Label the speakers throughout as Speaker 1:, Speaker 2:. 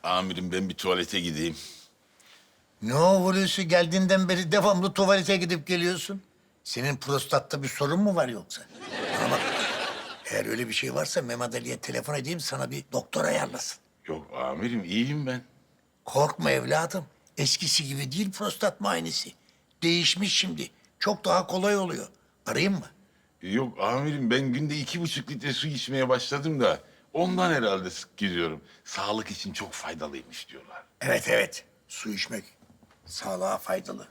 Speaker 1: Amirim ben bir tuvalete gideyim.
Speaker 2: Ne o Hulusi, geldiğinden beri devamlı tuvalete gidip geliyorsun? Senin prostatta bir sorun mu var yoksa? Bana bak, eğer öyle bir şey varsa Mehmet Ali'ye telefon edeyim, sana bir doktor ayarlasın.
Speaker 1: Yok amirim iyiyim ben.
Speaker 2: Korkma evladım, eskisi gibi değil prostat muayenesi. Değişmiş şimdi, çok daha kolay oluyor. Arayayım mı?
Speaker 1: Yok amirim ben günde 2,5 litre su içmeye başladım da... ...ondan herhalde sık giriyorum. Sağlık için çok faydalıymış diyorlar.
Speaker 2: Evet evet, su içmek sağlığa faydalı.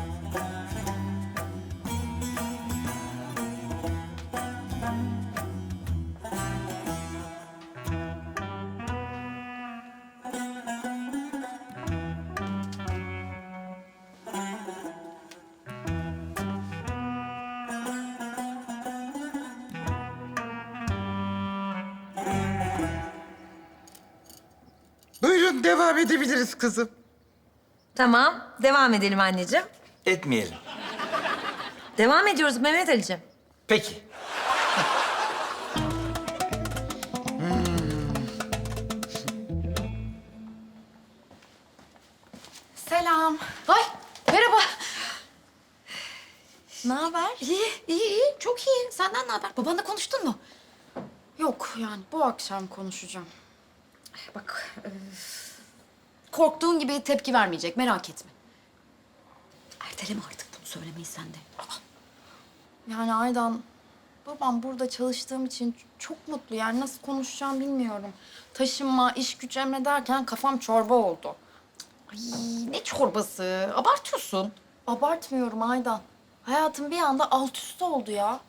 Speaker 3: Buyurun devam edebiliriz kızım.
Speaker 4: Tamam, devam edelim anneciğim.
Speaker 5: Etmeyelim.
Speaker 4: Devam ediyoruz Mehmet Ali'ciğim.
Speaker 5: Peki.
Speaker 6: Selam. Ay merhaba. Ne haber? İyi. Çok iyi. Senden ne haber? Babanla konuştun mu? Yok yani bu akşam konuşacağım. Bak korktuğun gibi tepki vermeyecek, merak etme. Erteleme artık bunu söylemeyi sen de. Yani Aydan, babam burada çalıştığım için çok mutlu. Yani nasıl konuşacağım bilmiyorum. Taşınma, iş güç emrederken kafam çorba oldu. Ay ne çorbası? Abartıyorsun. Abartmıyorum Aydan. Hayatım bir anda alt üst oldu ya.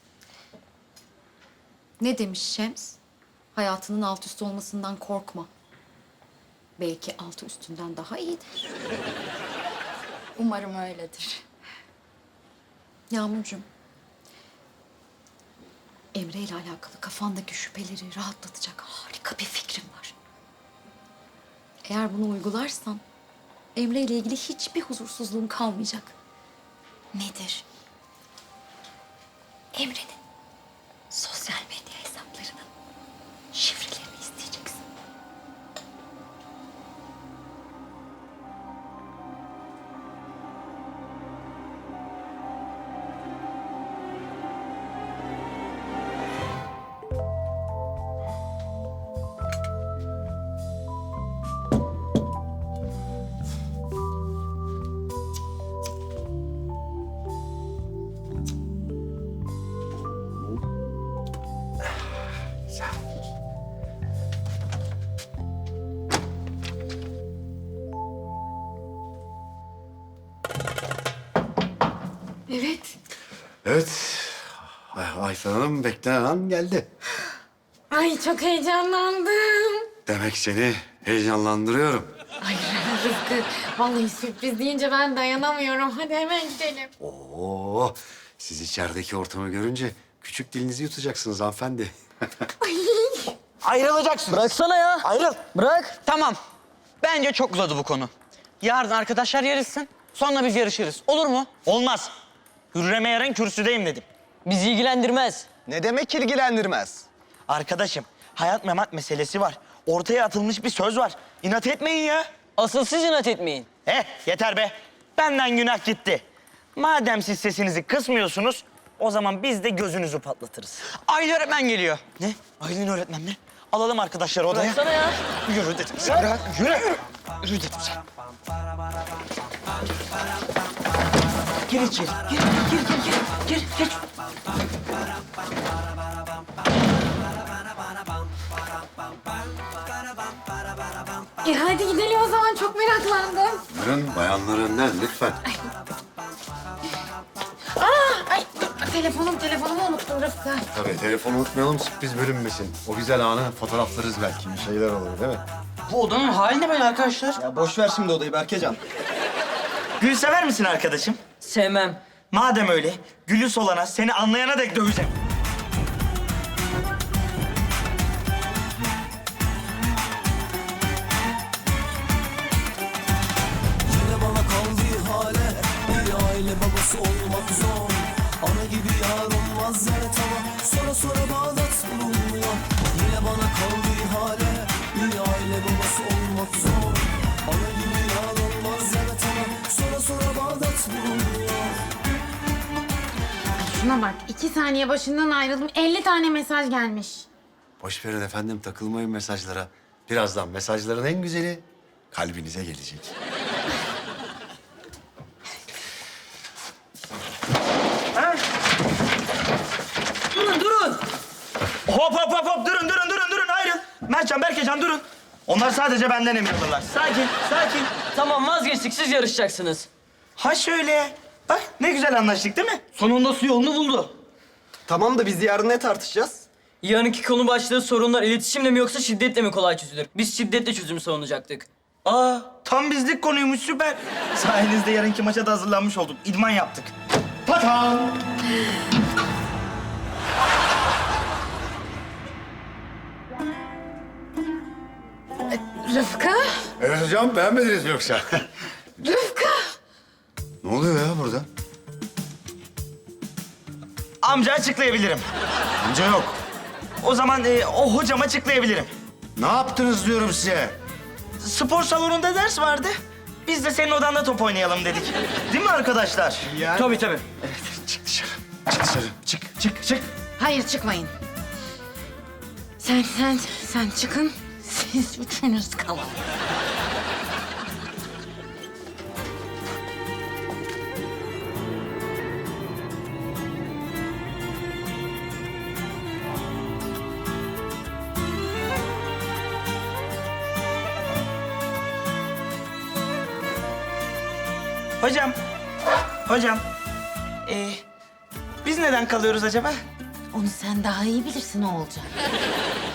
Speaker 6: Ne demiş Şems? Hayatının alt üst olmasından korkma. Belki altı üstünden daha iyidir. Umarım öyledir. Yağmurcuğum, Emre ile alakalı kafandaki şüpheleri rahatlatacak harika bir fikrim var. Eğer bunu uygularsan Emre ile ilgili hiçbir huzursuzluğun kalmayacak. Nedir? Emre'nin sosyal medya hesaplarının şifrelerini isteyeceksin. Evet.
Speaker 7: Evet. Ayfer Hanım beklenen an geldi.
Speaker 8: Ay çok heyecanlandım.
Speaker 7: Demek seni heyecanlandırıyorum.
Speaker 8: Ay Rıfkı, vallahi sürpriz deyince ben dayanamıyorum. Hadi hemen gidelim.
Speaker 7: Oo, siz içerideki ortamı görünce küçük dilinizi yutacaksınız hanımefendi.
Speaker 5: Ayrılacaksın.
Speaker 9: Bıraksana ya.
Speaker 5: Ayrıl.
Speaker 9: Bırak.
Speaker 5: Tamam. Bence çok uzadı bu konu. Yarın arkadaşlar yarışsın. Sonra biz yarışırız. Olur mu? Olmaz. Hürrem'e yarın kürsüdeyim dedim.
Speaker 9: Bizi ilgilendirmez.
Speaker 5: Ne demek ilgilendirmez? Arkadaşım, hayat memat meselesi var. Ortaya atılmış bir söz var. İnat etmeyin ya.
Speaker 9: Asıl siz inat etmeyin.
Speaker 5: Yeter be. Benden günah gitti. Madem siz sesinizi kısmıyorsunuz, o zaman biz de gözünüzü patlatırız. Aylin öğretmen geliyor. Ne? Aylin öğretmen mi? Alalım arkadaşları odaya.
Speaker 9: Bıraksana ya.
Speaker 5: Yürü dedim sana. Bırak, yürü. Yürü dedim sana. Gir içeri. Gir. Geç.
Speaker 8: Hadi gidelim o zaman, çok meraklandım.
Speaker 7: Buyurun bayanlar önden lütfen.
Speaker 8: Ay telefonumu unuttum Rıfkı.
Speaker 7: Tabii telefonu unutmayalım sürpriz bölünmesin. O güzel anı fotoğraflarız belki bir şeyler olur değil mi?
Speaker 5: Bu odanın hali ne böyle arkadaşlar?
Speaker 9: Ya boş ver şimdi odayı Berkecan.
Speaker 5: Gül sever misin arkadaşım?
Speaker 9: Sevmem.
Speaker 5: Madem öyle, gülü solana, seni anlayana dek döveceğim.
Speaker 10: Yine bana kaldığı hale bir aile babası olmak zor. Ana gibi yar olmaz evet ama sonra Bağdat bulunmuyor. Yine bana kaldığı hale bir aile babası olmak
Speaker 8: Şuna bak 2 saniye başından ayrıldım 50 tane mesaj gelmiş.
Speaker 7: Boş verin efendim, takılmayın mesajlara. Birazdan mesajların en güzeli kalbinize gelecek.
Speaker 9: Durun.
Speaker 5: Hop hop hop hop durun ayrıl. Mertcan, Berkecan durun. Onlar sadece benden emin olurlar. Sakin.
Speaker 9: Tamam vazgeçtik siz yarışacaksınız.
Speaker 5: Ha şöyle. Bak ne güzel anlaştık değil mi?
Speaker 9: Sonunda su yolunu buldu. Tamam da biz yarın ne tartışacağız? Yarınki konu başlığı sorunlar iletişimle mi yoksa şiddetle mi kolay çözülür? Biz şiddetle çözümü savunacaktık.
Speaker 5: Aa, tam bizlik konuymuş, süper. Sayenizde yarınki maça da hazırlanmış olduk. İdman yaptık. Patam!
Speaker 8: Rıfkı?
Speaker 7: Evet hocam, beğenmediniz mi yoksa?
Speaker 8: Rıfkı!
Speaker 7: Ne oluyor ya burada?
Speaker 5: Amca açıklayabilirim.
Speaker 7: Amca yok.
Speaker 5: O zaman o hocam açıklayabilirim.
Speaker 7: Ne yaptınız diyorum size?
Speaker 5: Spor salonunda ders vardı. Biz de senin odanda top oynayalım dedik. Değil mi arkadaşlar?
Speaker 9: Tabii.
Speaker 7: Çık dışarı. Çık dışarı. Çık.
Speaker 8: Hayır çıkmayın. Sen çıkın. Siz üçünüz kalın.
Speaker 5: Hocam. Biz neden kalıyoruz acaba?
Speaker 8: Onu sen daha iyi bilirsin o olacak.